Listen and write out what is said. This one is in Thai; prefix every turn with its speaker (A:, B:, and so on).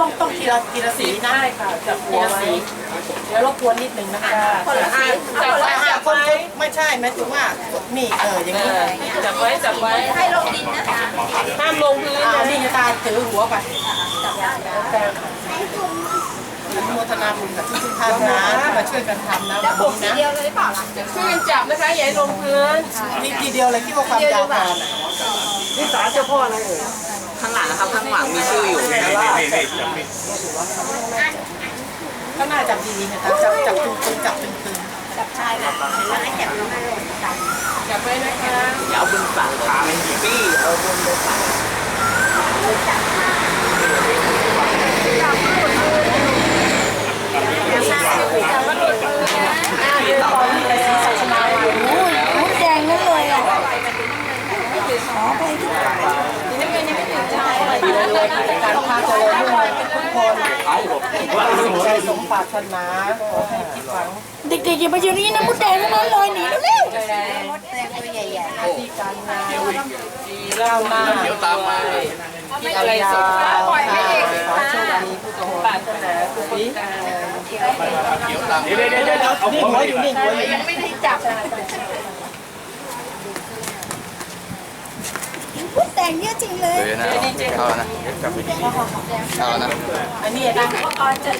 A: ต้องทีละสีนะค่ะจับหัวสีเดี๋ยวรบกวนนิดนึงนะคะคนละสีจับไว้ไม่ใช่หมายถึงว่านี่อย่างนี้จับไว้
B: ให้ลงดินนะคะ
A: ห้ามลงพื้นนะนี่จะตาถือหัวไปอนุโมทนาบุญกับทุกท่านนะที่มาช่วยกันทำนะ
B: จะผมทีเดียวเลยหรือเปล่าล่ะ
A: ช่วยกันจับนะคะอย่าลงพื้นนี่ทีเดียวเลยคิดว่าความยาวพอนี่สารเจ้าพ่ออะไรเอ่ย
C: ข้างหลังนะครับข้างหลังมีชื่ออยู่
A: ก็น่าจับดีๆนะคะจับตึงๆจับตึง
B: จับชายแบบแล้วให้จับลงมาลงจับ
A: ๆจับไว้นะคะ
C: อย่าเอาบนสั่งขาเป็นปี้เอาบนไปสั่ง
B: มุดแดงนั่นเลยอ่ะขอไปที่
A: ดีเลยการพาเจริญรุ่งเรืองทุกคนใจสมปรารถนาขอให้คิดหวัง
B: เด็กๆอย่ามาอยู่นี่นะมุดแดงนั่นเลยหนีเร็ว
A: มดแดงตัวใหญ่ๆที่การงานดีเล่าหน้าเดี๋ยวตามมาที่อะไรสมปรารถนาขอโชคดีผู้สมปรารถนาทุกคนเดี๋ยวนี่หัวอยู่นี่หัวอยู่
B: ไม่ได้จับมุดแดงเยอะจริงเลย
D: เอานะเอานะ
A: อันนี้นะ